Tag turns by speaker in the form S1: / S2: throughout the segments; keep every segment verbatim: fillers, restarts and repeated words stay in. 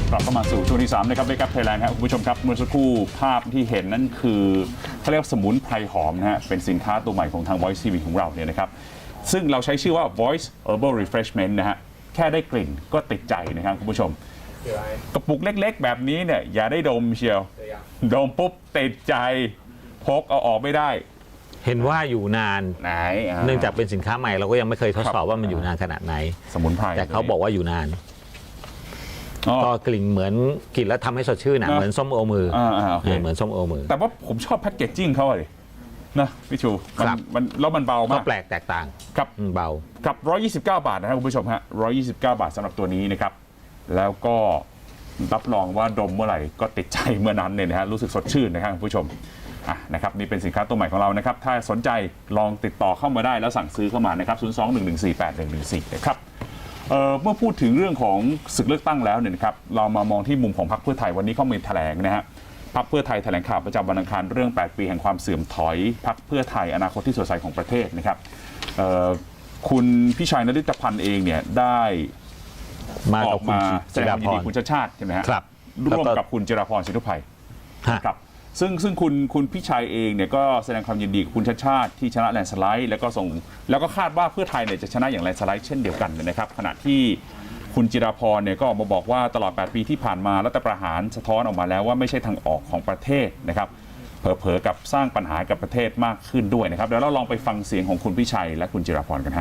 S1: กลับเข้ามาสู่ช่วงที่สามนะครับเบกับไทยแลนด์ครับคุณผู้ชมครับเมื่อสักครู่ภาพที่เห็นนั่นคือเขาเรียกสมุนไพรหอมนะฮะเป็นสินค้าตัวใหม่ของทาง Voice ที วี ของเราเนี่ยนะครับซึ่งเราใช้ชื่อว่า Voice Herbal Refreshment นะฮะแค่ได้กลิ่นก็ติดใจนะครับคุณผู้ชมกระปุกเล็กๆแบบนี้เนี่ยอย่าได้ดมเชียวดมปุ๊บติดใจพกเอาออกไม่ได้
S2: เห็นว่าอยู่นาน
S1: ไหน
S2: เนื่องจากเป็นสินค้าใหม่เราก็ยังไม่เคยทดสอบว่ามันอยู่นานขนาดไหน
S1: สมุนไพร
S2: แต่เขาบอกว่าอยู่นานก็กลิ่นเหมือนกลิ่นแล้วทำให้สดชื่นนะเหมือนส้มโอมือเหมือนส้มโอมือ
S1: แต่ว่าผมชอบแพ็กเกจจิ้งเขาเลยนะพี่ชูมันแล้วมันเบามาก
S2: ก็แปลกแตกต่าง
S1: ครับ
S2: เบา
S1: กับหนึ่งร้อยยี่สิบเก้าบาทนะครับคุณผู้ชมฮะหนึ่งร้อยยี่สิบเก้าบาทสำหรับตัวนี้นะครับแล้วก็รับรองว่าดมเมื่อไหร่ก็ติดใจเมื่อนั้นเนี่ยนะฮะรู้สึกสดชื่นนะครับคุณผู้ชมอ่ะนะครับนี่เป็นสินค้าตัวใหม่ของเรานะครับถ้าสนใจลองติดต่อเข้ามาได้แล้วสั่งซื้อเข้ามานะครับศูนย์ สอง หนึ่ง หนึ่ง สี่ แปด หนึ่ง หนึ่ง สี่นะครับเอ่อเมื่อพูดถึงเรื่องของศึกเลือกตั้งแล้วเนี่ยนะครับเรามามองที่มุมของพรรคเพื่อไทยวันนี้เขามีแถลงนะฮะพรรคเพื่อไทยแถลงข่าวประจำวันอังคารเรื่องแปดปีแห่งความเสื่อมถอยพรรคเพื่อไทยอนาคตที่สดใสของประเทศนะครับเอ่อคุณพิชัยนฤทธพันธ์เองเนี่ยได้
S2: มาออกมา
S1: แสดงความยินดีคุณชาติชาติใช่ไหมฮะ
S2: ครับ
S1: ร่วมกับคุณจิราพรสินธุไพครับซึ่งซึ่งคุณคุณพิชัยเองเนี่ยก็แสดงความยินดีกับคุณชาติชาติที่ชนะแลนด์สไลด์แล้วก็ส่งแล้วก็คาดว่าเพื่อไทยเนี่ยจะชนะอย่างแลนด์สไลด์เช่นเดียวกันนะครับขณะที่คุณจิราพรเนี่ยก็ออกมาบอกว่าตลอดแปดปีที่ผ่านมารัฐประหารสะท้อนออกมาแล้วว่าไม่ใช่ทางออกของประเทศนะครับเผลอๆกับสร้างปัญหากับประเทศมากขึ้นด้วยนะครับเดี๋ยวเราลองไปฟังเสียงของคุณพิชัยและคุณจิราพรกันฮะ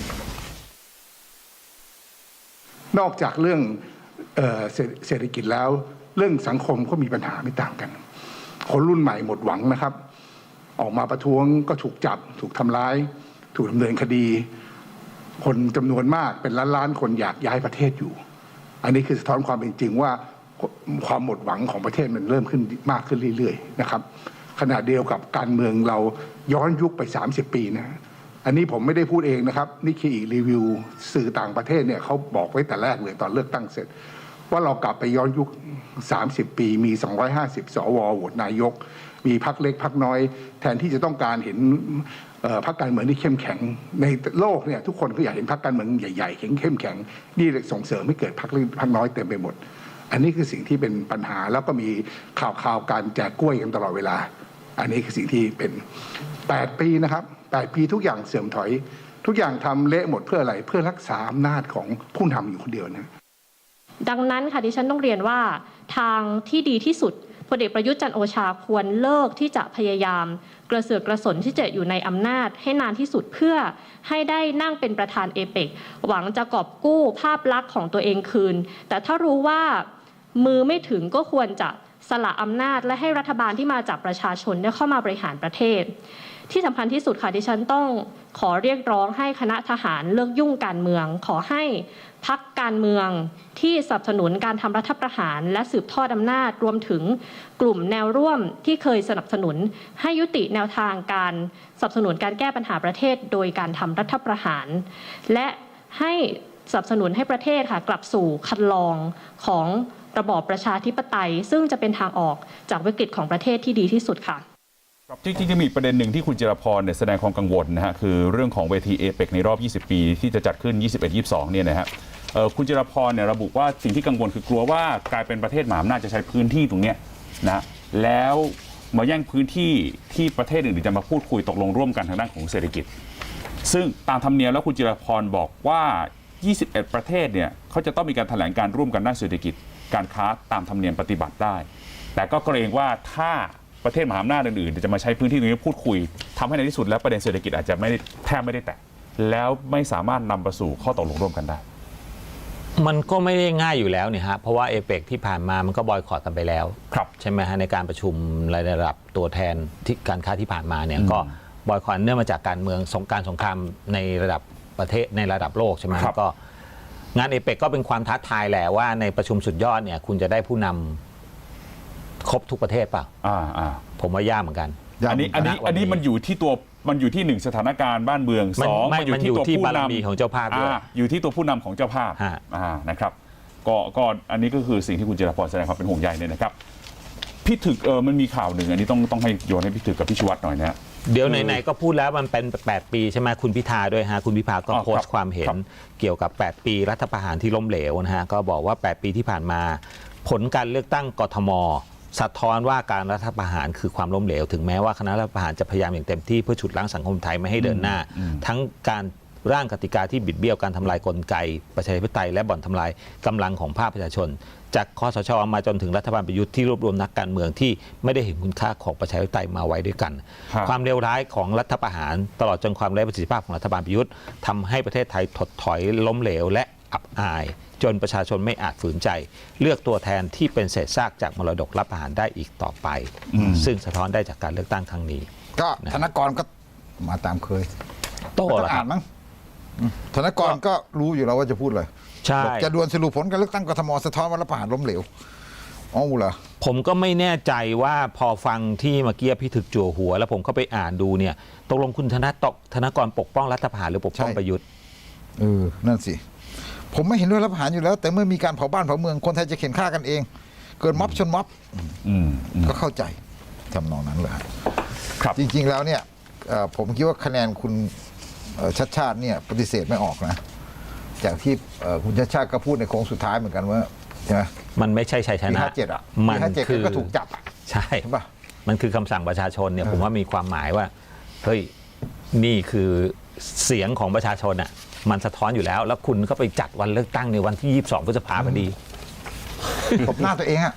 S3: นอกจากเรื่องเอ่อเศรษฐกิจแล้วเรื่องสังคมก็มีปัญหาไม่ต่างกันคนรุ่นใหม่หมดหวังนะครับออกมาประท้วงก็ถูกจับถูกทำร้ายถูกดำเนินคดีคนจำนวนมากเป็นล้านล้านคนอยากย้ายประเทศอยู่อันนี้คือสะท้อนความเป็นจริงว่าความหมดหวังของประเทศมันเริ่มขึ้นมากขึ้นเรื่อยๆนะครับขณะเดียวกับการเมืองเราย้อนยุคไปสามสิบปีนะอันนี้ผมไม่ได้พูดเองนะครับนี่คืออีกรีวิวสื่อต่างประเทศเนี่ยเขาบอกไว้แต่แรกเลยตอนเลือกตั้งเสร็จว่าเรากลับไปย้อนยุคสามสิบปีมีสองร้อยห้าสิบสวโหวตนายกมีพรรคเล็กพรรคน้อยแทนที่จะต้องการเห็นพรรคการเมืองที่เข้มแข็งในโลกเนี่ยทุกคนก็อยากเห็นพรรคการเมืองใหญ่ๆเข้มแข็งนี่ส่งเสริมให้เกิดพรรคเล็กพรรคน้อยเต็มไปหมดอันนี้คือสิ่งที่เป็นปัญหาแล้วก็มีข่าวข่าวการแจกกล้วยกันตลอดเวลาอันนี้คือสิ่งที่เป็นแปดปีนะครับแปดปีทุกอย่างเสื่อมถอยทุกอย่างทำเละหมดเพื่ออะไรเพื่อรักษาอำนาจของผู้นำอยู่คนเดียวนะ
S4: ดังนั้นค่ะดิฉันต้องเรียนว่าทางที่ดีที่สุดพลเอกประยุทธ์จันทร์โอชาควรเลิกที่จะพยายามกระเสือกกระสนที่จะอยู่ในอำนาจให้นานที่สุดเพื่อให้ได้นั่งเป็นประธานเอเปกหวังจะกอบกู้ภาพลักษณ์ของตัวเองคืนแต่ถ้ารู้ว่ามือไม่ถึงก็ควรจะสละอำนาจและให้รัฐบาลที่มาจากประชาชนได้เข้ามาบริหารประเทศที่สำคัญที่สุดค่ะดิฉันต้องขอเรียกร้องให้คณะทหารเลิกยุ่งการเมืองขอให้พรรคการเมืองที่สนับสนุนการทำรัฐประหารและสืบทอดอำนาจรวมถึงกลุ่มแนวร่วมที่เคยสนับสนุนให้ยุติแนวทางการสนับสนุนการแก้ปัญหาประเทศโดยการทำรัฐประหารและให้สนับสนุนให้ประเทศค่ะกลับสู่คันลองของระบอบประชาธิปไตยซึ่งจะเป็นทางออกจากวิกฤตของประเทศที่ดีที่สุดค่ะ
S1: จริงๆจะมีประเด็นหนึ่งที่คุณจิรพรเนี่ยแสดงความกังวลนะฮะคือเรื่องของเวทีเอเปกในรอบยี่สิบปีที่จะจัดขึ้นยี่สิบเอ็ด ยี่สิบสองเนี่ยนะฮะคุณจิรพรเนี่ยระบุว่าสิ่งที่กังวลคือกลัวว่ากลายเป็นประเทศมหาอำนาจจะใช้พื้นที่ตรงเนี้ยนะแล้วมาแย่งพื้นที่ที่ประเทศอื่นจะมาพูดคุยตกลงร่วมกันทางด้านของเศรษฐกิจซึ่งตามธรรมเนียมแล้วคุณจิรพรบอกว่ายี่สิบเอ็ดประเทศเนี่ยเขาจะต้องมีการแถลงการร่วมกันด้านเศรษฐกิจการค้าตามธรรมเนียมปฏิบัติได้แต่ก็เกรงว่าถ้าประเทศมหาอำนาจอื่นๆจะมาใช้พื้นที่ตรงนี้พูดคุยทำให้ในที่สุดแล้วประเด็นเศรษฐกิจอาจจะไม่ได้แทบไม่ได้แตะแล้วไม่สามารถนำไปสู่ข้อตกลงร่วมกันได้
S2: มันก็ไม่ได้ง่ายอยู่แล้วเนี่ยฮะเพราะว่าเอเปกที่ผ่านมามันก็บอยคอตกันไปแล้ว
S1: ครับ
S2: ใช่ไหมฮะในการประชุมระดับตัวแทนที่การค้าที่ผ่านมาเนี่ยก็บอยคอตเนื่องมาจากการเมืองสงการสงครามในระดับประเทศในระดับโลกใช่ไหมก็งานเอเปกก็เป็นความท้าทายแหละว่าในประชุมสุดยอดเนี่ยคุณจะได้ผู้นำครบทุกประเทศเปล่า
S1: อ่าอ่า
S2: ผมว่ายากเหมือนกัน
S1: อันนี้อันนี้อันนี้มันอยู่ที่ตัวมันอยู่ที่หนึ่งสถานการณ์บ้านเมืองสอง
S2: มันอยู่ที่ตัวผู้นำของเจ้าภาพด้วย
S1: อยู่ที่ตัวผู้นำของเจ้าภาพอ่านะครับก็ก็อันนี้ก็คือสิ่งที่คุณจิรพรแสดงความเป็นห่วงใยเนี่ยนะครับพี่ถึกเออมันมีข่าวหนึ่งอันนี้ต้องต้องให้โยนให้พี่ถึกกับพี่ชวัตหน่อยนะ
S2: เดี๋ยวไหนๆก็พูดแล้วมันเป็นแปดปีใช่ไหมคุณพิธาด้วยฮะคุณพิธาก็โพสต์ความเห็นเกี่ยวกับแปดปีรัฐประหารที่ล้มเหลวนะฮะก็บอกว่าแปดปีที่ผ่านมาผลการเลือกตั้งกทมสะท้อนว่าการรัฐประหารคือความล้มเหลวถึงแม้ว่าคณะรัฐประหารจะพยายามอย่างเต็มที่เพื่อฉุดล้างสังคมไทยไม่ให้เดินหน้า ทั้งการร่างกติกาที่บิดเบี้ยวการทำลายกลไกประชาธิปไตยและบ่อนทำลายกำลังของภาคประชาชนจากคสช.มาจนถึงรัฐบาลประยุทธ์ที่รวบรวมนักการเมืองที่ไม่ได้เห็นคุณค่าของประชาธิปไตยมาไว้ด้วยกัน ความเลวร้ายของรัฐประหารตลอดจนความไร้ประสิทธิภาพของรัฐบาลประยุทธ์ทำให้ประเทศไทยถดถอยล้มเหลวและอับอายจนประชาชนไม่อาจฝืนใจ เลือกตัวแทนที่เป็นเศษซากจากมรดกรัฐประหารได้อีกต่อไป ซึ่งสะท้อนได้จากการเลือกตั้งครั้งนี้
S5: ก็ธนกรก็มาตามเคย
S2: โต้
S5: ไม่ต้
S2: เหร
S5: อ
S2: อง ค
S5: อ่า
S2: รับ
S5: นมั้งธนกรก็รู้อยู่แล้วว่าจะพูดอะไร
S2: ใช่
S5: บอกจะดวลสรุปผลการเลือกตั้งกทมสะท้อนว่ารัฐประหารล้มเหลวอ๋อเหรอ
S2: ผมก็ไม่แน่ใจว่าพอฟังที่เมื่อกี้พี่ถึกจั่วหัว แล้วผมก็ไปอ่านดูเนี่ยตกลงคุณธนตธนกรปกป้องรัฐประหารหรือปกป้อง
S5: ใช่
S2: ประยุทธ์
S5: เออนั่นสิผมไม่เห็นด้วยรัฐประหารอยู่แล้ว แต่เมื่อมีการเผาบ้านเผาเมืองคนไทยจะเข็นฆ่ากันเอง เกิดม็อบชนม็อบ
S1: อืมอืม
S5: ก็เข้าใจทำนองนั้นเลย
S1: ครับ
S5: จริง ๆ แล้วเนี่ยเอ่อผมคิดว่าคะแนนคุณเอ่อชัดชาติเนี่ยปฏิเสธไม่ออกนะจากที่เอ่อคุณชัดชาติก็พูดในโค้งสุดท้ายเหมือนกันว่าใช่ไหม
S2: มันไม่ใช่ชัยช
S5: ปี
S2: นะ
S5: ห้าเจ็ดอ่ะ
S2: มั
S5: ปีห้าเจ็ด
S2: คือ
S5: ก็ถูกจับอะ
S2: ใช่
S5: ใช่ปะ
S2: มันคือคำสั่งประชาชนเนี่ย
S5: เออ
S2: ผมว่ามีความหมายว่าเฮ้ยนี่คือเสียงของประชาชนอ่ะมันสะท้อนอยู่แล้ว แล้วคุณก็ไปจัดวันเลือกตั้งในวันที่ยี่สิบสองพฤษภาคมพอดี
S5: ตบหน้าตัวเองอ่ะ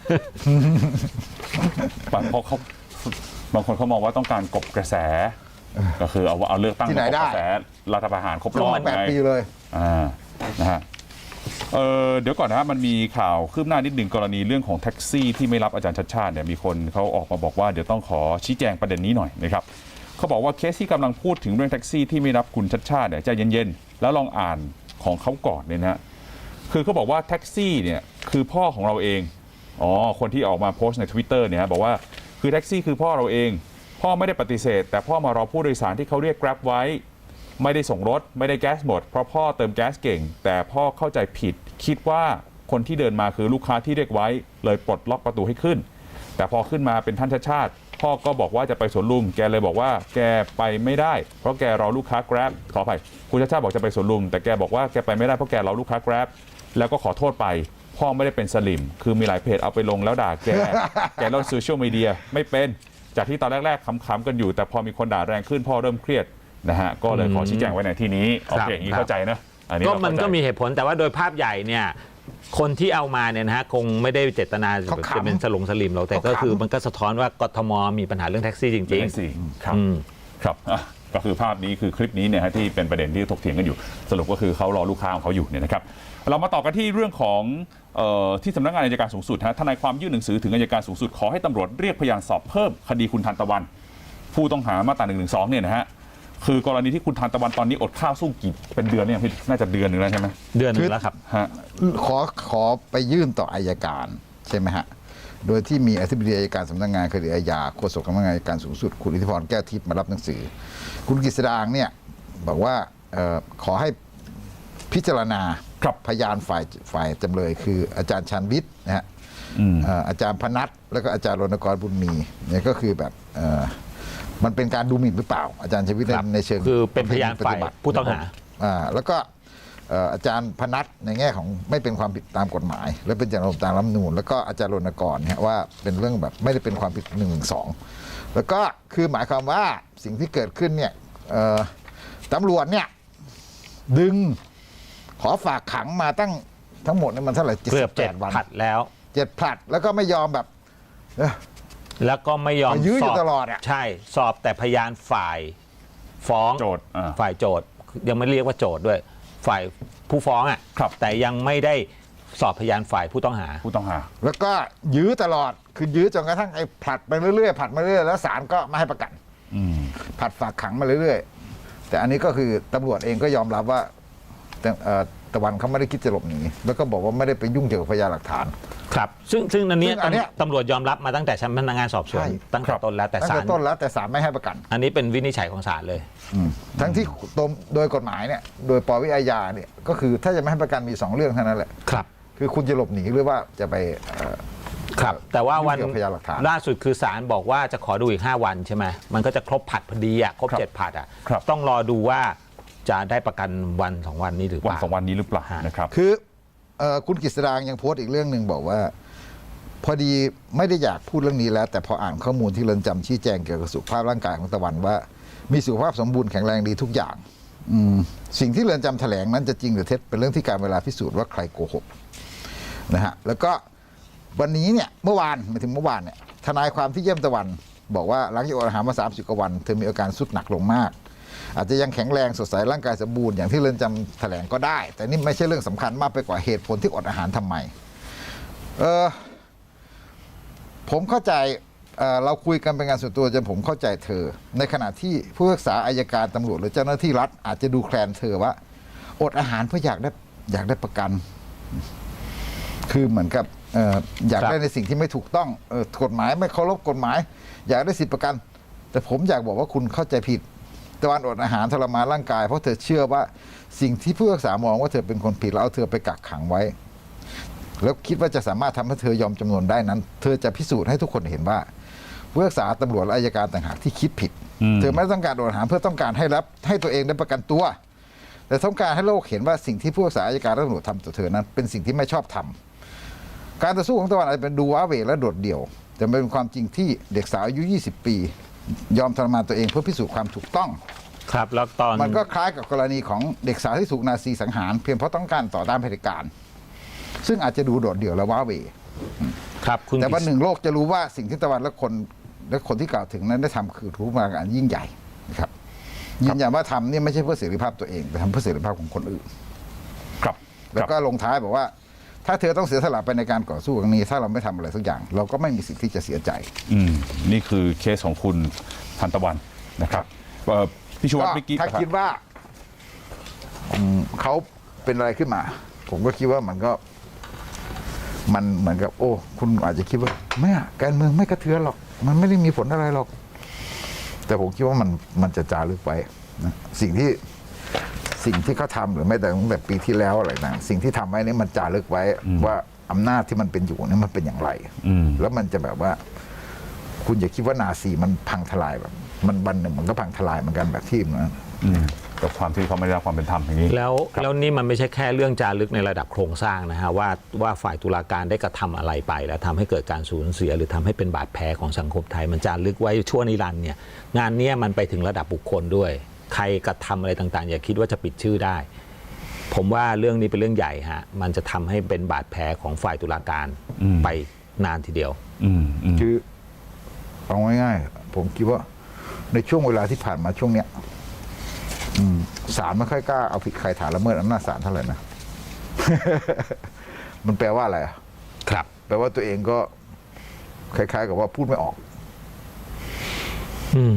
S1: บางเพราะเขาบางคนเขามองว่าต้องการกบกระแส ก็คือเอาเอาเลือกตั้ง
S5: ที่ไหน
S1: มากบ
S5: ได้
S1: กระแสรัฐประหารครบรอบ
S5: แปด
S1: ไง
S5: ปีเลย
S1: อ่านะฮะเออเดี๋ยวก่อนนะฮะมันมีข่าวคืบหน้านิดหนึ่งกรณีเรื่องของแท็กซี่ที่ไม่รับอาจารย์ชัดชาติเนี่ยมีคนเขาออกมาบอกว่าเดี๋ยวต้องขอชี้แจงประเด็นนี้หน่อยนะครับเขาบอกว่าเคสที่กำลังพูดถึงเรื่องแท็กซี่ที่ไม่รับคุณชัดชาติเนี่ยใจเย็นๆแล้วลองอ่านของเขาก่อนเนี่ยนะฮะคือเขาบอกว่าแท็กซี่เนี่ยคือพ่อของเราเองอ๋อคนที่ออกมาโพสต์ใน Twitter เนี่ยบอกว่าคือแท็กซี่คือพ่อเราเองพ่อไม่ได้ปฏิเสธแต่พ่อมารอผู้โดยสารที่เขาเรียก Grab ไว้ไม่ได้ส่งรถไม่ได้แก๊สหมดเพราะพ่อเติมแก๊สเก่งแต่พ่อเข้าใจผิดคิดว่าคนที่เดินมาคือลูกค้าที่เรียกไว้เลยปลดล็อกประตูให้ขึ้นแต่พอขึ้นมาเป็นท่านชาติชาติพ่อก็บอกว่าจะไปสวนลุมแกเลยบอกว่าแกไปไม่ได้เพราะแกรอลูกค้า Grab ขออภัยคุณชาติชาติบอกจะไปสวนลุมแต่แกบอกว่าแกไปไม่ได้เพราะแกรอลูกค้า Grab แล้วก็ขอโทษไปพ่อไม่ได้เป็นสลิมคือมีหลายเพจเอาไปลงแล้วด่าแก แกเล่นโซเชียลมีเดียไม่เป็นจากที่ตอนแรกๆขำๆกันอยู่แต่พอมีคนด่าแรงขึ้นพ่อเริ่มเครียดนะฮะก็เลยขอชี้แจงไว้ในที่นี้โอเคอย่างนี้เข้าใจนะอันนี้
S2: ก็
S1: เรา
S2: มัน
S1: เข้าใจ
S2: ก็มีเหตุผลแต่ว่าโดยภาพใหญ่เนี่ยคนที่เอามาเนี่ยนะฮะคงไม่ได้เจตนา
S5: เขาขำ
S2: จะเป็นสลงสลิมหรอกแต่ก็
S5: เขาขำ
S2: คือมันก็สะท้อนว่ากทมมีปัญหาเรื่องแท็กซี่จริง
S1: จริงสิครับ
S2: อืม
S1: ครับอ่ะก็คือภาพนี้คือคลิปนี้เนี่ยฮะที่เป็นประเด็นที่ถกเถียงกันอยู่สรุปก็คือเขารอลูกค้าของเขาอยู่เนี่ยนะครับเรามาต่อกันที่เรื่องของเอ่อที่สำนักงานอัยการสูงสุดฮะทนายความยื่นหนังสือถึงอัยการสูงสุดขอให้ตำรวจเรียกพยานสอบเพิ่มคดีคุณทันตะวันผู้ต้องหามาตราหนึ่งหนึ่งสองเนี่ยนะฮะคือกรณีที่คุณทันตะวันตอนนี้อดข้าวสู้กี่เป็นเดือนเนี่ยพี่น่าจะเดือนหนึ่งแล้วใช่ไหม
S2: ๆ เดือนหนึงแล้วครับ
S1: ฮะ
S5: ขอขอไปยื่นต่ออัยการใช่ไหมฮะ โดยที่มีอธิบดีอัยการสำนักงานคดีอาญาโฆษกสำนักงานอัยการสูงสุดคุณอิทธิพรแก้วทิพย์มารับหนังสือ คุณกฤษดางเนี่ยบอกว่าเอ่อขอให้พิจารณา
S1: ครับ
S5: พยานฝ่ายฝ่ายจำเลยคืออาจารย์ชันวิทย์นะฮะ
S1: อืม
S5: เอ่ออาจารย์พนัทแล้วก็อาจารย์รณกรบุญมีเนี่ยก็คือแบบเอ่อมันเป็นการดูหมิ่นหรือเปล่า อาจารย์ชันวิทย์
S2: ครับ
S5: ในเชิง
S2: คือเป็นพยานฝ่าย
S5: ปฏิบัติ
S2: ผู้ต้องหา
S5: อ่าแล้วก็เอ่ออาจารย์พนัทในแง่ของไม่เป็นความผิดตามกฎหมาย และเป็นจรรยาตามรัฐธรรมนูญแล้วก็อาจารย์รณกรเนี่ยว่าเป็นเรื่องแบบไม่ได้เป็นความผิดหนึ่งสองแล้วก็คือหมายความว่าสิ่งที่เกิดขึ้นเนี่ยเอ่อตำรวจเนี่ยดึงขอฝากขังมาตั้งทั้งหมดเนี่ยมันเท่าไหร่เจ็ด
S2: เกื
S5: สิ
S2: อบบ
S5: แป
S2: เจ็ด
S5: ดวัน
S2: ผัดแล้ว
S5: เจ็ดผลัดแล้วก็ไม่ยอมแบบเอ้อ
S2: แล้วก็ไม่ยอม
S5: มายื้ออยู่
S2: สบ
S5: ตลอดอะ
S2: ใช่สอบแต่พยานฝ่ายฟ้อง
S1: โจทย์อ่า
S2: ฝ่ายโจทย์ยังไม่เรียกว่าโจทย์ด้วย ฝ่ายผู้ฟ้องอ่ะ
S1: ครับ
S2: แต่ยังไม่ได้สอบพยานฝ่ายผู้ต้องหา
S1: ผู้ต้องหา
S5: แล้วก็ยื้อตลอดคือยื้อจนกระทั่งไอ้ผลัดไปเรื่อยๆผลัดมาเรื่อยๆแล้วศาลก็ไม่ให้ประกัน
S1: อืม
S5: ผัดฝากขังมาเรื่อยๆ แต่อันนี้ก็คือตำรวจเองก็ยอมรับว่าแต่เอ่อตะวันเขาไม่ได้คิดจะหลบหนีแล้วก็บอกว่าไม่ได้ไปยุ่งเกี่ยวกับพยานหลักฐาน
S2: ครับ ซึ่งซึ่งอันเนี้ย
S5: ซึ่งอันเนี้ย
S2: ตำรวจยอมรับมาตั้งแต่ชั้นพนักงานสอบสวน
S5: ใช่
S2: ตั้งแต่ต้นแล้วแต่
S5: ตั้ง
S2: ศา
S5: แต่
S2: ล
S5: ต้นแล้วแต่ศาลไม่ให้ประกัน
S2: อันนี้เป็นวินิจฉัยของศาลเลย
S5: ทั้งที่ตมโดยกฎหมายเนี่ยโดยปวิอาญาเนี่ยก็คือถ้าจะไม่ให้ประกันมีสองเรื่องเท่านั้นแหละ
S2: ครับ
S5: คือคุณจะหลบหนีหรือว่าจะไปเอ่อ
S2: ครับ แต่ว่าวัน
S5: ยุ่งเกี่ยวกับพยานหลักฐาน
S2: ล่าสุดคือศาลบอกว่าจะขอดูอีกห้าวันใช่ไหมมันก็จะครบผัดพอดีอ่ะครบ
S1: ครับ
S2: เจ็ดผัดอ่ะ
S1: ครับ
S2: ต้องรอดูว่าจะได้ประกันวันสองวันนี้หรือเป
S1: วัน
S2: ล่า
S1: สองวันนี้หรือเปล่า
S2: ฮะ
S1: นะครับ
S5: คือเอ่อคุณกฤษดางยังโพสต์อีกเรื่องหนึ่งบอกว่าพอดีไม่ได้อยากพูดเรื่องนี้แล้ว แต่พออ่านข้อมูลที่เรือนจำชี้แจงเกี่ยวกับสุขภาพร่างกายของตะวันว่า มีสุขภาพสมบูรณ์แข็งแรงดีทุกอย่างอืมสิ่งที่เรือนจำแถลงนั้นจะจริงหรือเท็จเป็นเรื่องที่การเวลาพิสูจน์ว่าใครโกหกนะฮะแล้วก็วันนี้เนี่ยเมื่อวานมาถึงเมื่อวานเนี่ยทนายความที่เยี่ยมตะวันบอกว่าหลังจากอดอาหารมาสามสิบกว่าวันเธอมีอาการสุดหนักลงมากอาจจะยังแข็งแรงสดใสร่างกายสมบูรณ์อย่างที่เรือนจำแถลงก็ได้แต่นี่ไม่ใช่เรื่องสำคัญมากไปกว่าเหตุผลที่อดอาหารทำไมเออผมเข้าใจ เอ่อเราคุยกันเป็นงานส่วนตัวจนผมเข้าใจเธอในขณะที่ผู้พิพากษาอัยการตำรวจหรือเจ้าหน้าที่รัฐอาจจะดูแคลนเธอว่าอดอาหารเพื่ออยากได้อยากได้ประกัน คือเหมือนกับเอ่ออยากได้ในสิ่งที่ไม่ถูกต้องเอ่อกฎหมายไม่เคารพกฎหมาย อยากได้สิทธิประกัน แต่ผมอยากบอกว่าคุณเข้าใจผิดตะวันอดอาหารทรมานร่างกายเพราะเธอเชื่อว่าสิ่งที่ผู้พิพากษามองว่าเธอเป็นคนผิดแล้วเอาเธอไปกักขังไว้แล้วคิดว่าจะสามารถทำให้เธอยอมจำนวนได้นั้น เธอจะพิสูจน์ให้ทุกคนเห็นว่าผู้พิพากษาตำรวจและอัยการต่างหากที่คิดผิด เธอไม่ได้ต้องการอดอาหารเพื่อต้องการให้รับให้ตัวเองได้ประกันตัว แต่ต้องการให้โลกเห็นว่าสิ่งที่ผู้พิพากษาอัยการและตำรวจทำต่อเธอนั้นเป็นสิ่งที่ไม่ชอบทำการต่อสู้ของตะวันอาจจะเป็นดูว้าเหวและโดดเดี่ยวแต่เป็นความจริงที่เด็กสาวอายุยี่สิบปี ยอมทรมานตัวเองเพื่อพิสูจน์ความถูกต้อง
S2: ครับแล้วตอน
S5: มันก็คล้ายกับกรณีของเด็กสาวที่ถูกนาซีสังหารเพียงเพราะต้องการต่อต้านเผด็จการซึ่งอาจจะดูโดดเดี่ยวและว้าเหว
S2: ครับคุณ
S5: แต่วันหนึ่งโลกจะรู้ว่าสิ่งที่ตะวันและคนและคนที่กล่าวถึงนั้นได้ทำคือรู้มาการยิ่งใหญ่นะครับยืนยันว่าทำนี่ไม่ใช่เพื่อเสรีภาพตัวเองแต่ทำเพื่อเสรีภาพของคนอื่น
S1: ครับ
S5: แล้วก็ลงท้ายบอกว่า ถ้าเธอต้องเสียสละไปในการต่อสู้ครั้งนี้ ถ้าเราไม่ทำอะไรสักอย่าง เราก็ไม่มีสิทธิ์ที่จะเสียใจ
S1: อืมนี่คือเคสของคุณทันตะวันนะครับเอ่อพี่ชูวัฒน์เมื่อกี้
S5: ถ้าคิดว่าอืมเขาเป็นอะไรขึ้นมา ผมก็คิดว่ามันก็ มันเหมือนกับ โอ้ คุณอาจจะคิดว่าไม่อะการเมืองไม่กระเทือนหรอก มันไม่ได้มีผลอะไรหรอก แต่ผมคิดว่ามันมันจะจารึกไว้นะสิ่งที่สิ่งที่เขาทำหรือไม่แต่ตั้งแต่ปีที่แล้วอะไรต่างสิ่งที่ทำไว้นี่มันจารึกไว้ว่าอำนาจที่มันเป็นอยู่นี่มันเป็นอย่างไร
S1: อืม
S5: แล้วมันจะแบบว่า คุณอย่าคิดว่านาซีมันพังทลายแบบ มันวันหนึ่งมันก็พังทลายเหมือนกันแบบที่มัน
S1: อืมกับความที่เขาไม่ได้รับความเป็นธรรมอย่างนี้
S2: แล้ว
S1: ครับ
S2: แล้วนี่มันไม่ใช่แค่เรื่องจารึกในระดับโครงสร้างนะฮะว่าว่าฝ่ายตุลาการได้กระทำอะไรไป แล้วทำให้เกิดการสูญเสีย หรือทำให้เป็นบาดแผลของสังคมไทย มันจารึกไว้ชั่วนิรันดร์เนี่ยงานเนี้ยมันไปถึงระดับบุคคลด้วย ใครกระทำอะไรต่างๆ อย่าคิดว่าจะปิดชื่อได้ ผมว่าเรื่องนี้เป็นเรื่องใหญ่ฮะมันจะทำให้เป็นบาดแผลของฝ่ายตุลาการ
S1: อืม
S2: ไปนานทีเดียว
S1: อืมอืม
S5: คือเอาง่ายๆผมคิดว่าในช่วงเวลาที่ผ่านมาช่วงเนี้ยอืมศาลไม่ค่อยกล้าเอาผิดใครฐานละเมิดอำนาจศาลเท่าไหร่นะ มันแปลว่าอะไรอะ
S2: ครับ
S5: แปลว่าตัวเองก็คล้ายๆกับว่าพูดไม่ออก
S2: อืม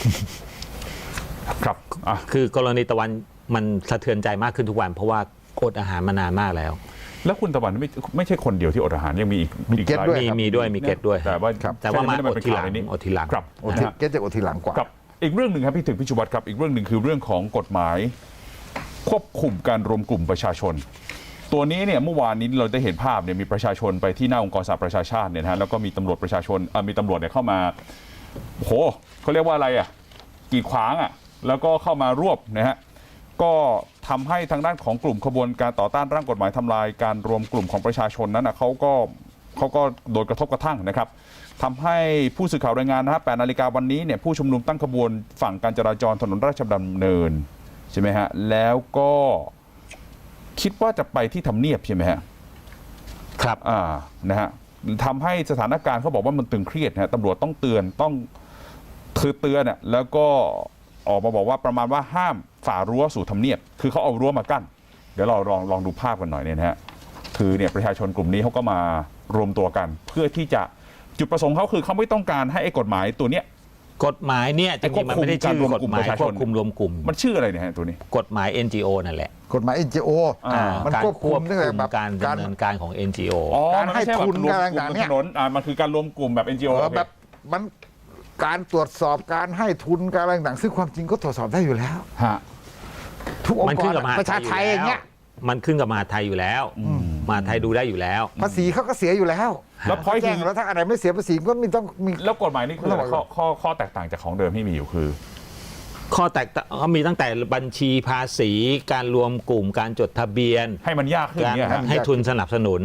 S1: ครับอ่ะ
S2: คือกรณีตะวันมันสะเทือนใจมากขึ้นทุกวัน เพราะว่าอดอาหารมานานมากแล้ว
S1: แล้วคุณตะวันไม่ไม่ใช่คนเดียวที่อดอาหารยังมีอีก
S5: มี
S1: อีก
S5: เก็ต
S1: หลาย
S5: ด้วย
S2: มี
S5: ครับ
S2: มีด้วยมีเกตด้วย
S1: แต่ว่า
S5: ครับ
S2: แต่ว่ามา
S1: ไได้
S2: อดทีหลัง
S1: เป็นข่วในนี้
S2: อดทีหลัง
S1: ครับ
S5: โอที
S1: นะฮะ
S5: เก็ตจะโอทีหลังกว่า
S1: ครับอีกเรื่องหนึ่งครับพี่ถึงพิชวัตรครับอีกเรื่องหนึ่งคือเรื่องของกฎหมาย ควบคุมการรวมกลุ่มประชาชน ตัวนี้เนี่ยเมื่อวานนี้เราได้เห็นภาพเนี่ยมีประชาชนไปที่หน้าองค์กรสหประชาชาติเนี่ยนะฮะแล้วก็มีตำรวจประชาชนเอ่อมีตำรวจเนี่ยเข้ามาโอ้โหเขาเรียกว่าอะไรอ่ะกีดขวางอ่ะแล้วก็เข้ามารวบนะฮะก็ทำให้ทางด้านของกลุ่มขบวนการต่อต้านร่างกฎหมายทำลายการรวมกลุ่มของประชาชนนั้นนะเขาก็เขาก็โดนกระทบกระทั่งนะครับทำให้ผู้สื่อข่าวรายงานนะฮะแปดนาฬิกาวันนี้เนี่ยผู้ชุมนุมตั้งขบวนฝั่งการจราจรถนนราชดำเนินใช่ไหมฮะแล้วก็คิดว่าจะไปที่ทำเนียบใช่ไหมฮะ
S2: ครับ
S1: อ่านะฮะทำให้สถานการณ์เขาบอกว่ามันตึงเครียดนะฮะตำรวจต้องเตือนต้องคือเตือนน่ะแล้วก็ออกมาบอกว่าประมาณว่าห้ามฝ่ารั้วสู่ทำเนียบคือเขาเอารั้วมากั้นเดี๋ยวเราลองลองดูภาพกันหน่อยเนี่ยนะฮะคือเนี่ยประชาชนกลุ่มนี้เขาก็มารวมตัวกัน เพื่อที่จะจุดประสงค์เขาคือเขาไม่ต้องการให้ไอ้กฎหมายตัวเนี้ย
S2: กฎหมายเนี่ยจริงๆมันไม่ได้ชื่อกฎหมายควบคุมรวมกลุ่ม
S1: มันชื่ออะไรเนี่ยฮะตัวนี้
S2: กฎหมาย เอ็น จี โอ นั่นแหละ
S5: กฎหมาย เอ็น จี โอ
S1: อ่า
S5: มัน
S2: การ
S5: ควบคุมตั้งแต่แบบ
S2: การ
S5: การ
S2: ดำเนินการของ เอ็น จี โอ
S1: อ๋อ
S5: การ
S1: มันไม่ใช่
S5: ให้ทุน
S1: แบบรวม
S5: อะไร
S1: กลุ่ม
S5: ต่าง
S1: บ
S5: ๆ
S1: น
S5: เนี่
S1: ถ
S5: ย
S1: นนอ่ามันคือการรวมกลุ่มแบบ เอ็น จี โอ
S5: เออแบบมันการตรวจสอบการให้ทุนการอะไรต่างๆซึ่งความจริงก็ตรวจสอบได้อยู่แล้ว
S1: ฮะ
S5: ทุกอง
S2: มัน
S5: ค์ก
S2: ขึ้
S5: ร
S2: นกับมหา
S5: ประชาไทยอย่างเงี้ย
S2: มันขึ้นกับมหาไทยอยู่แล้วมหาไทยดูได้อยู่แล้ว
S5: ภาษีเขาก็เสียอยู่แล้ว
S1: แล้วพอย
S5: แจ้
S1: คื
S5: ง
S1: อ
S5: แล้วถ้าอะไรไม่เสียภาษีก็ไม่ต้องมี
S1: แล้วกฎหมายนี่คืออะไรข้อข้อข้อแตกต่างจากของเดิมที่มีอยู่คือ
S2: ข้อแตกต่างเขามีตั้งแต่บัญชีภาษี การรวมกลุ่มการจดทะเบียน
S1: ให้มันยากขึ้น
S2: การ
S1: เนี่ยฮะ
S2: ให้ทุนสนับสนุน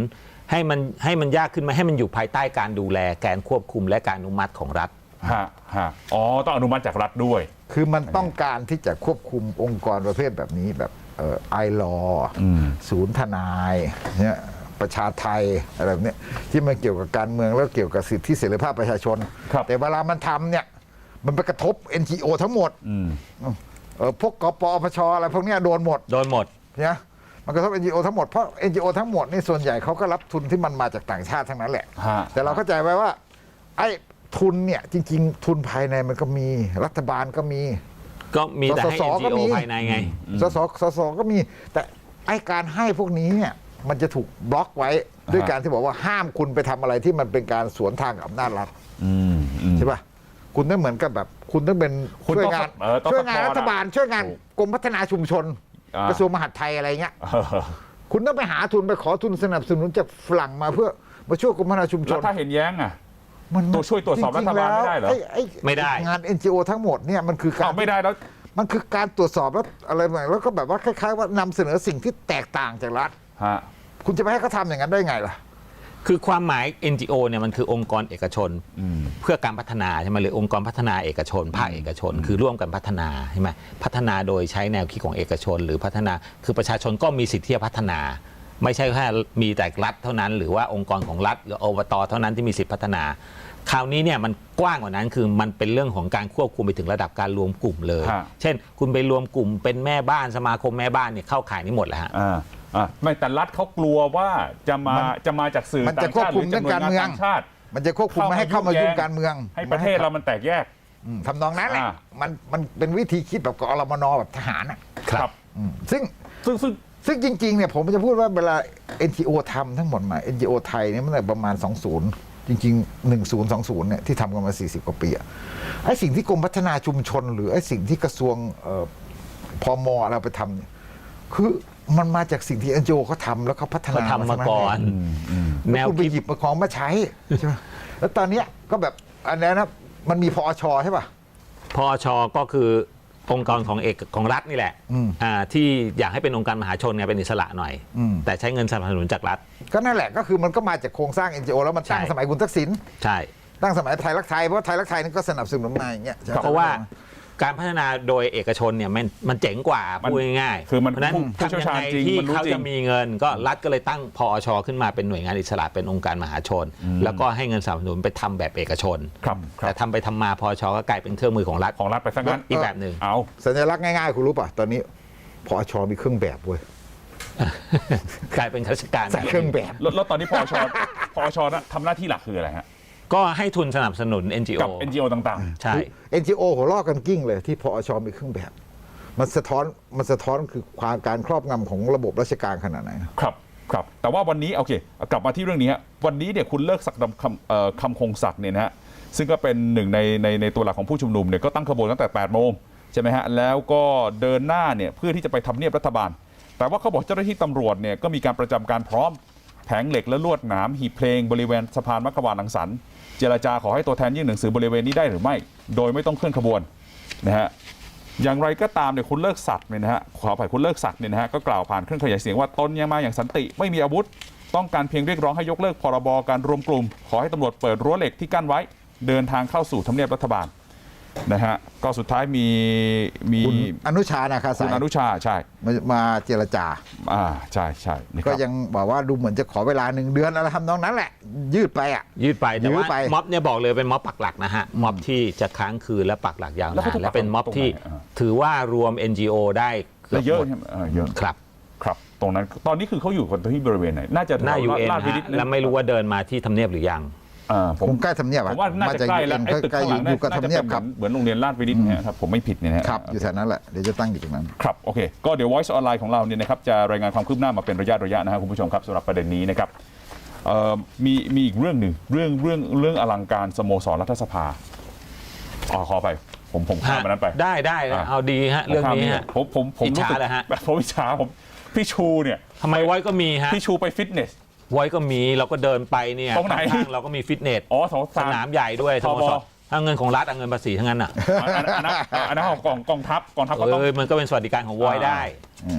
S2: ให้มันให้มันยากขึ้นไหมให้มันอยู่ภายใต้การดูแลการควบคุมและการอนุมัติของรัฐ
S1: ฮะฮะอ๋อต้องอนุมัติจากรัฐด้วย
S5: คือมันต้องการที่จะควบคุมองค์กรประเภทแบบนี้แบบไอรอศูนย์ทนายเนี่ยประชาไทยอะไรแบบเนี้ยที่มันเกี่ยวกับการเมืองแล้วเกี่ยวกับสิทธิเสรีภาพประชาชน
S1: ครับ
S5: แต่เวลามันทำเนี่ยมันไปกระทบ เอ็น จี โอ ทั้งหมด
S1: อืม
S5: เออพวกกปอปชอะไรพวกเนี้ยโดนหมด
S2: โดนหมด
S5: เนี่ยมันกระทบ เอ็น จี โอ ทั้งหมดเพราะ เอ็น จี โอ ทั้งหมดนี่ส่วนใหญ่เขาก็รับทุนที่มันมาจากต่างชาติทั้งนั้นแหละ
S1: ฮะ
S5: แต่เราเข้าใจไว้ว่าไอ้ทุนเนี่ยจริงๆ ทุนภายในมันก็มีรัฐบาลก็มี
S2: ก็มีแต่ให้
S5: สส
S2: เอ็น
S5: ก็
S2: จี
S5: มี
S2: โอ ภายในไง
S5: สสสสก็มีแต่ไอ้การให้พวกนี้เนี่ยมันจะถูกบล็อกไว้ด้วยการที่บอกว่าห้ามคุณไปทำอะไรที่มันเป็นการสวนทางกับอำนาจรัฐ
S1: อืมอืม
S5: ใช่ป่ะคุณต้องเหมือนกับแบบ คุณต้องเป็น
S1: คุณ
S5: ช่วย
S1: ต้อง
S5: งาน
S1: เออต้อง
S5: ช่วยงาน
S1: ซัพพอร์ต
S5: รัฐบาลช่วยงาน
S1: ถูก
S5: กรมพัฒนาชุมชน
S1: อ่าก
S5: ระทรวงมหาดไทยอะไรเงี้ย
S1: เออ
S5: คุณต้องไปหาทุนไปขอทุนสนับสนุนจากฝรั่งมาเพื่อมาช่วยกรมพัฒนาชุมช
S1: แล้ว
S5: น
S1: ถ้าเห็นแย้งอ่ะ
S5: มัน
S1: ตัวช่วยตรวจสอบรัฐบาลไม่ได้เหรอ
S5: จงๆแล้วอ้อ้
S2: ไม่ได้
S5: งาน เอ็น จี โอ ทั้งหมดเนี่ยมันคือการ
S1: เอาไม่ได้แล้ว
S5: มันคือการตรวจสอบแล้วอะไรใหม่แล้วก็แบบว่าคล้ายๆว่านำเสนอสิ่งที่แตกต่างจากรัฐ
S1: ฮะ
S5: คุณจะไปให้เขาทำอย่างนั้นได้ไงล่ะ
S2: คือความหมาย เอ็น จี โอ เนี่ยมันคือองค์กรเอกชน
S1: อืม
S2: เพื่อการพัฒนาใช่ไหมหรือองค์กรพัฒนาเอกชน ภาคเอกชน คือร่วมกันพัฒนาใช่ไหมพัฒนาโดยใช้แนวคิดของเอกชน หรือพัฒนาคือประชาชนก็มีสิทธิ์ที่จะพัฒนา ไม่ใช่แค่มีแต่รัฐเท่านั้น หรือว่าองค์กรของรัฐหรืออบตเท่านั้นที่มีสิทธิพัฒนา คราวนี้เนี่ยมันกว้างกว่านั้นคือมันเป็นเรื่องของการควบคุมไปถึงระดับการรวมกลุ่มเลย
S1: ฮะ
S2: เช่น คุณไปรวมกลุ่มเป็นแม่บ้านสมาคมแม่บ้านเนี่ยเข้าข่ายนี้หมดแล้วฮะ
S1: อ่าอ่าไม่แต่รัฐเขากลัวว่าจะมา
S5: มัน
S1: จะมาจากสื่อ
S5: มัน
S1: ต่า
S5: จะ
S1: ง
S5: ควบ
S1: ชาติห
S5: คุ
S1: รื
S5: ม
S1: อ
S5: เรื่
S1: จา
S5: อก ง
S1: หน่วยาน
S5: การเมือง
S1: ต่างชาติ
S5: มันจะควบคุมไม่ให้เข้ามายุ่งการเมือง
S1: ให้ประเทศเรามันแตกแยก
S5: อืมทำนองนั้นแหละ
S1: อ่า
S5: มันมันเป็นวิธีคิดแบบกอรมนแบบทหารอ่ะ
S1: ครับ
S5: อืมซึ่ง
S1: ซึ่งซึ่ง
S5: ซึ่งจริงๆเนี่ยผมจะพูดว่าเวลา เอ็น จี โอ ทำทั้งหมดมา เอ็น จี โอ ไทยเนี่ยมันประมาณ สองสิบ จริงๆ หนึ่งศูนย์สองศูนย์เนี่ยที่ทำกันมา สี่สิบ กว่าปีอะไอ้สิ่งที่กรมพัฒนาชุมชน หรือไอ้สิ่งที่กระทรวงเอ่อพมเราไปทำเนี่ยคือมันมาจากสิ่งที่ เอ็น จี โอ เขาทำแล้วเขาพัฒนา
S2: เขาทำมาก่อน
S5: แน
S2: แน
S5: ว
S2: ว
S5: คุณไป
S2: คิด
S5: หยิบมาของมาใช้ใช่ไหมแล้วตอนเนี้ยก็แบบอันนี้นะมันมีพอชใช่ป่ะ
S2: พอชก็คือองค์กรของเอกของรัฐนี่แหละ
S5: อืม
S2: อ่าที่อยากให้เป็นองค์การมหาชนไงเป็นอิสระหน่อย
S5: อืม
S2: แต่ใช้เงินสนับสนุนจากรัฐ
S5: ก็นั่นแหละก็คือมันก็มาจากโครงสร้าง เอ็น จี โอ แล้วมันตั้ง
S2: ใช่
S5: สมัยคุณทักษิณ
S2: ใช่
S5: ตั้งสมัยไทยรักไทยเพราะไทยรักไทยนี่ก็สนับสนุนมาอย่างเงี้ยใช่ไหม
S2: เพราะว่าการพัฒนาโดยเอกชนเนี่ยมันมันเจ๋งกว่า
S1: มัน
S2: พูดง่ายๆ
S1: คือมัน
S2: เพราะฉะนั้น
S1: ผู้เชี่ยว
S2: ทำยั
S1: ชาญ
S2: งไง
S1: จริง
S2: ที่
S1: มันรู้
S2: เขา
S1: จริ
S2: จะ
S1: ง
S2: มีเงิน ก็รัฐก็เลยตั้งพอชขึ้นมาเป็นหน่วยงานอิสระเป็นองค์การมหาชน แล้วก็ให้เงินสนับสนุนไปทำแบบเอกชน
S1: ครับครั
S2: แต่
S1: บ
S2: ทำไปทำมาพอชก็กลายเป็นเครื่องมือของรัฐ
S1: ของรัฐไปซะงั้น
S2: อีกแบบหนึ่ง
S1: เอา
S5: สัญลักษณ์ง่ายๆคุณรู้ป่ะตอนนี้พอชมีเครื่องแบบเว้ย
S2: กลายเป็นข้าราชการ
S5: ใส่เครื่องแบบ
S1: แล้วแล้วตอนนี้พอชพอชนะทำหน้าที่หลักคืออะไรฮะ
S2: ก็ให้ทุนสนับสนุน เอ็น จี โอ
S1: กับ เอ็น จี โอ ต่าง
S2: ใช่
S5: เอ็น จี โอ หัวลอกกันกิ้งเลยที่พอชมีเครื่องแบบ มันสะท้อนมันสะท้อนคือความการครอบงำของระบบราชการขนาดไหน
S1: ๆ ครับครับแต่ว่าวันนี้โอเคกลับมาที่เรื่องนี้ฮะวันนี้เนี่ยคุณเลิกศักดิ์คำเอ่อคำคงศักดิ์เนี่ยนะฮะซึ่งก็เป็นหนึ่งในในในตัวหลักของผู้ชุมนุมเนี่ยก็ตั้งขบวนตั้งแต่แปดโมงใช่ไหมฮะแล้วก็เดินหน้าเนี่ยเพื่อที่จะไปทำเนียบรัฐบาล แต่ว่าเขาบอกเจ้าหน้าที่ตำรวจเนี่ยก็มีการประจำการพร้อมแผงเหล็กและลวดหนามหีบเพลงบริเวณสะพานมักกะวานรังสรรค์เจรจาขอให้ตัวแทนยื่นหนังสือบริเวณนี้ได้หรือไม่ โดยไม่ต้องเคลื่อนขบวนนะฮะอย่างไรก็ตามเนี่ยคุณเลิกศักดิ์เนี่ยนะฮะขออภัยคุณเลิกศักดิ์เนี่ยนะฮะก็กล่าวผ่านเครื่องขยายเสียงว่าตนยังมาอย่างสันติไม่มีอาวุธ ต้องการเพียงเรียกร้องให้ยกเลิกพรบการรวมกลุ่ม ขอให้ตำรวจเปิดรั้วเหล็กที่กั้นไว้ เดินทางเข้าสู่ทำเนียบรัฐบาลนะฮะก็สุดท้ายมีมี
S5: คุณอนุชานาคา
S1: คุ
S5: สา
S1: ณ
S5: ย
S1: อนุชาใช่
S5: มามาเจรจา
S1: อ่าใช่ใช่นะค
S5: ก็
S1: รับ
S5: ยังบอกว่าดูเหมือนจะขอเวลาหนึ่งเดือนอะไรทำนองนั้นแหละ ยืดไปอ่ะ
S2: ยืดไปแต่
S5: ยื้
S2: ว่า
S5: อไป
S2: ม็อบเนี่ยบอกเลยเป็นม็อบปักหลักนะฮะม็อบที่จะค้างคืนและปักหลักยาว
S1: แล้ว
S2: นา
S1: เขา
S2: น
S1: จะปัก
S2: และเป็นม็อบที่
S1: ตรงไหนอ่า
S2: ถือว่ารวม เอ็น จี โอ ได้เกื
S1: แล้
S2: อบ
S1: วเยอะ
S2: หมด
S1: ใช่ไหมอ่าเยอะ
S2: ครับ
S1: ครับตรงนั้นตอนนี้คือเขาอยู่กันที่บริเวณไหนน่าจะ
S2: หน้า ยู เอ็น
S1: ลาดวินิต
S2: แล้วไม่รู้ว่าเดินมาที่ทำเนียบหรือยัง
S1: อ่าผม
S5: คงใกล้ทำเนียบ
S1: ผ
S5: อะ
S1: มว่าน่าจะใกล้แล้ว
S5: มา
S1: ไอ้
S5: จาก
S1: ตึก
S5: ใกล้
S1: ข้าง
S5: อ
S1: หลั
S5: ยู่
S1: ง
S5: อยู่กับ
S1: น่า
S5: ทำ
S1: จะ
S5: เนีย
S1: เป็
S5: บ
S1: น
S5: ครับ
S1: เหมือนโรงเรียนลาดวินิตนะฮะถ้าผมไม่ผิดเนี่ยนะฮะ
S5: ครับอยู่แถวนั้นแหละเดี๋ยวจะตั้งอยู่ตรงนั้น
S1: ครับโอเคก็เดี๋ยว Voice ออนไลน์ของเราเนี่ยนะครับจะรายงานความคืบหน้ามาเป็นระยะระยะนะครับคุณผู้ชมครับสำหรับประเด็นนี้นะครับเอ่อมีมีอีกเรื่องหนึ่งเรื่องเรื่องเรื่องอลังการสโมสรรัฐสภาอ๋อขอไปผมผมข้ามมันนั้นไป
S2: ได้ได้
S1: อ่ะ
S2: เอาดีฮะเรื่องนี้ฮะ
S1: ผมผมผม
S2: อิจฉา
S1: รู้สึก
S2: เหรอฮะ
S1: ผมอิจฉาผมพี่ชูเนี่ย
S2: ทำไมไว้ก็มีฮะ
S1: พี่ชูไปฟิตเนส
S2: ไว้ก็มีเราก็เดินไปเนี่ย
S1: ตรงไหน
S2: ข้างๆเราก็มีฟิตเนส
S1: อ๋อสอง
S2: สนามใหญ่ด้วยสโมส
S1: ท
S2: ร
S1: บ
S2: ถ้าเงินของรัฐเอาเงินภาษีทั้งนั้นอ่ะ
S1: อันนั้นอันนั้นอันนั้นของกองกองทัพกองทัพก็
S2: เอ
S1: ต้อง
S2: อมันก็เป็นสวัสดิการของวอยได้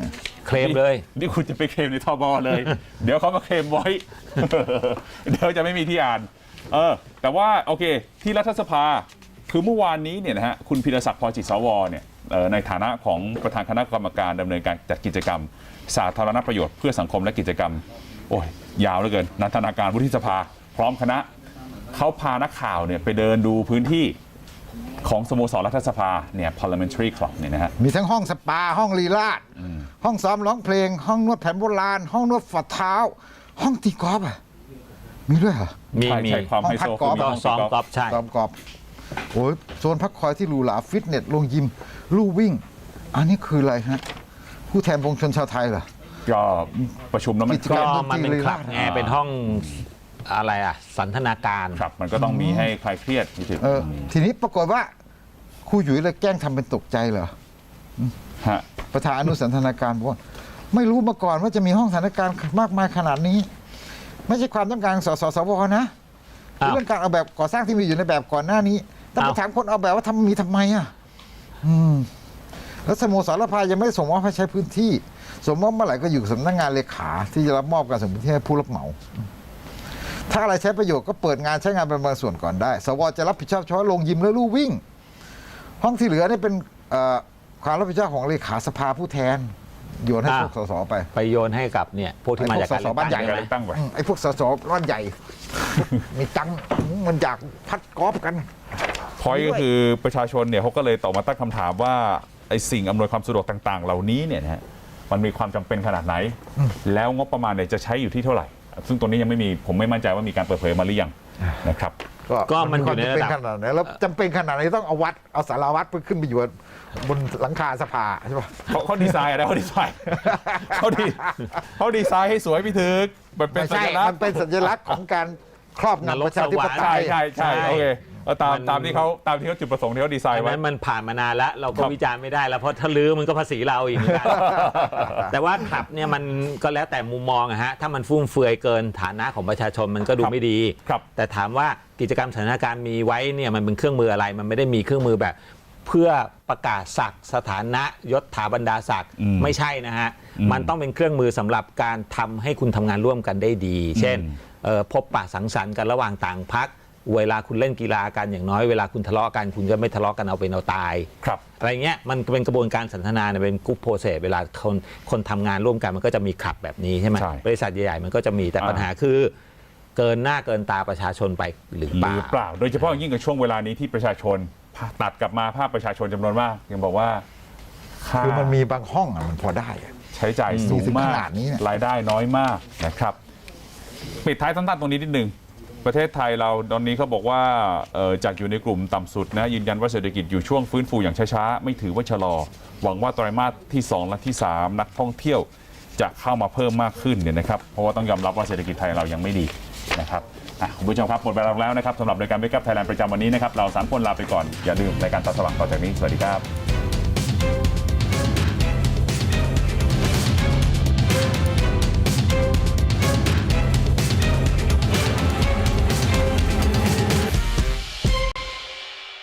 S2: เคลมเลย
S1: นี่นี่คุณจะไปเคลมในทบเลย เดี๋ยวเขามาเคลมไว้ เดี๋ยวจะไม่มีที่อ่านเออแต่ว่าโอเคที่รัฐสภาคือเมื่อวานนี้เนี่ยนะฮะคุณพิรศักดิ์พอจิตสวเนี่ยเอ่อในฐานะของประธานคณะกรรมการดำเนินการจัดกิจกรรม สาธารณประโยชน์เพื่อสังคมและกิจกรรมโอ้ยยาวเหลือเกินนันทนาการวุฒิสภาพร้อมคณะเขาพานักข่าวเนี่ยไปเดินดูพื้นที่ของสโมสรรัฐสภาเนี่ย parliamentary club เนี่ยนะฮะ
S5: มีทั้งห้องสปาห้องลีลาดห้องซ้อมร้องเพลง ห้องนวดแผนโบราณ ห้องนวดฝ่าเท้า ห้องตีกอล์ฟอ่ะมีด้วยเหรอ
S2: มี
S1: ใช่
S2: มี
S1: ใช่ความไฮโซ
S5: ห้องพักกอล์ฟ
S1: มี
S2: ก็
S1: ห้อง
S2: ซ้อม
S1: ตี
S2: กอล์ฟใช่
S5: ซ้อมกอล์ฟโอ้ยโซนพักคอยที่หรูหราฟิตเนสลงยิม ลู่วิ่ง อันนี้คืออะไรฮะ ผู้แทนปวงชนชาวไทยเหรอ
S1: ก็ประชุมแล้วมัน
S5: กิจ
S2: ก็
S5: รร
S2: มันเป็นคลับไงเป็นห้องอะไรอ่ะสันทนาการ
S1: ครับมันก็ต้องมีให้คลายเครียดนิดนึง
S5: เออทีนี้ปรากฏว่าครูหยุยเลยแกล้งทำเป็นตกใจเหรอ
S1: ฮะ
S5: ประธานอนุสันทนาการบอกว่าไม่รู้มาก่อนว่าจะมีห้องสันทนาการมากมายขนาดนี้ ไม่ใช่ความต้องการของสสสวนะ
S2: อ้าว
S5: เรื่องการเอาแบบก่อสร้างที่มีอยู่ในแบบก่อนหน้านี้แต่ไป
S2: อ้าว
S5: ถามคนเอาแบบว่าทำมีทำไมอ่ะอืมแล้วสโมสรพายังไม่ได้ส่งมอบให้ใช้พื้นที่ส่งมอบเมื่อไหร่ก็อยู่กับสำนักงานเลขาที่จะรับมอบการส่งพื้นที่ให้ผู้รับเหมา ถ้าอะไรใช้ประโยชน์ก็เปิดงานใช้งานเป็นบางส่วนก่อนได้ สวจะรับผิดชอบเฉพาะลงยิมและลู่วิ่ง ห้องที่เหลือนี่เป็นเอ่อความรับผิดชอบของเลขาสภาผู้แทนโยนให้พวกสสไป
S2: ไปโยนให้กับเนี่ยพวกที่มาจากการ
S5: ไอ้พวกสสบ้านใหญ่
S2: เลือก
S1: เลือกตั้งไป
S5: อืมไอ้พวกสสร้อนใหญ่ มีตังค์มันอยากพัดกอล์ฟกัน
S1: พอยก็คือประชาชนเนี่ยเขาก็เลยต่อมาตั้งคำถามว่าไอ้สิ่งอำนวยความสะดวกต่าง ๆ เหล่านี้เนี่ยนะฮะมันมีความจำเป็นขนาดไหน แล้วงบประมาณเนี่ยจะใช้อยู่ที่เท่าไหร่ ซึ่งตัวนี้ยังไม่มีผมไม่มั่นใจว่ามีการเปิดเผยมาหรือยังนะครับ
S2: ก็มันอยู่ในระดับ
S5: จำเป็นขนาดไหนแล้วจำเป็นขนาดไหนต้องเอาวัดเอาสาราวัดไปขึ้นไปอยู่บนหลังคาสภาใช่ปะ
S1: เขาเขาดีไซน์อะไรเขาดีไซน์เขาดีเขาดีไซน์ให้สวยพี่ถึกมันเป็น
S5: ไม่
S1: สั
S5: ใช่
S1: ญลักษ
S5: มัน
S1: ณ์
S5: เป็นสัญลักษณ์ของการครอบ
S2: นร
S5: งำ
S2: ก
S5: ประชาธิปไต
S1: ใช่
S5: ย
S1: ใช่ใช่โอเคเอาตาม
S2: มัน
S1: ตามที่เขาตามที่เขาจุดประสงค์ที่เขาดีไซ
S2: อั
S1: น์
S2: น
S1: ไว้
S2: นั้นมันผ่านมานานแล้วเราก็
S1: ครับ
S2: วิจารณ์ไม่ได้แล้วเพราะถ้าลื้อมันก็ภาษีเราอีกเหมือนกัน แต่ว่าคลับเนี่ยมันก็แล้วแต่มุมมองอะฮะถ้ามันฟุ่มเฟือยเกินฐานะของประชาชนมันก็ดูไม่ดี
S1: ครับ
S2: แต่ถามว่ากิจกรรมสถานการณ์มีไว้เนี่ยมันเป็นเครื่องมืออะไร มันไม่ได้มีเครื่องมือแบบ เพื่อประกาศศักดิ์สถานะยศถาบรรดาศักดิ์
S1: อืม
S2: ไม่ใช่นะฮะ
S1: อืม
S2: มันต้องเป็นเครื่องมือสำหรับการทำให้คุณทำงานร่วมกันได้ดี เช่น
S1: อืม
S2: เอ่อพบปะสังสรรค์กันระหว่างต่างพรรคเวลาคุณเล่นกีฬากันอย่างน้อยเวลาคุณทะเลาะกันคุณจะไม่ทะเลาะกันเอาเป็นเอาตาย
S1: ครับ
S2: อะไรเงี้ยมันเป็นกระบวนการสันทนาเนี่ยเป็นกรุ๊ปโปรเซสเวลาคนคนทำงานร่วมกันมันก็จะมีคลับแบบนี้ใช่ไหม
S1: ใช่
S2: บริษัทใหญ่ๆมันก็จะมีแต่
S1: อ่า
S2: ปัญหาคือเกินหน้าเกินตาประชาชนไปหรือ
S1: ห
S2: เป
S1: รือเป
S2: ล่า
S1: ล่า โดยเฉพาะอย่างยิ่งกับช่วงเวลานี้ที่ประชาชนตัดกลับมาภาพประชาชนจำนวนมาก ยังบอกว่าค่า
S5: คือมันมีบางห้องอ่ะมันพอได้อะ
S1: ใช้จ่ายสูง
S5: ถึง
S1: มา
S5: ข
S1: ก
S5: นาดนี้เนี่ย
S1: รายได้น้อยมากนะครับ ปิดท้ายสั้นๆตรงนี้นิดนึง ประเทศไทยเราตอนนี้เขาบอกว่าเอ่อจากอยู่ในกลุ่มต่ำสุดนะยืนยันว่าเศรษฐกิจอยู่ช่วงฟื้นฟูอย่างช้าๆ ไม่ถือว่าชะลอ หวังว่าไตรมาสที่สองและที่สามนักท่องเที่ยวจะเข้ามาเพิ่มมากขึ้นเนี่ยนะครับเพราะว่าต้องยอมรับว่าเศรษฐกิจไทยเรายังไม่ดีนะครับอ่ะคุณผู้ชมครับหมดเวลาแล้วนะครับสำหรับรายการ Wake Up Thailand ประจำวันนี้นะครับเราสามคนลาไปก่อนอย่าลืมรายการตาสว่างต่อจากนี้สวัสดีครับ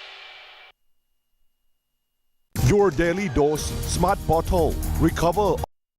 S6: Your daily dose smart bottle. Recover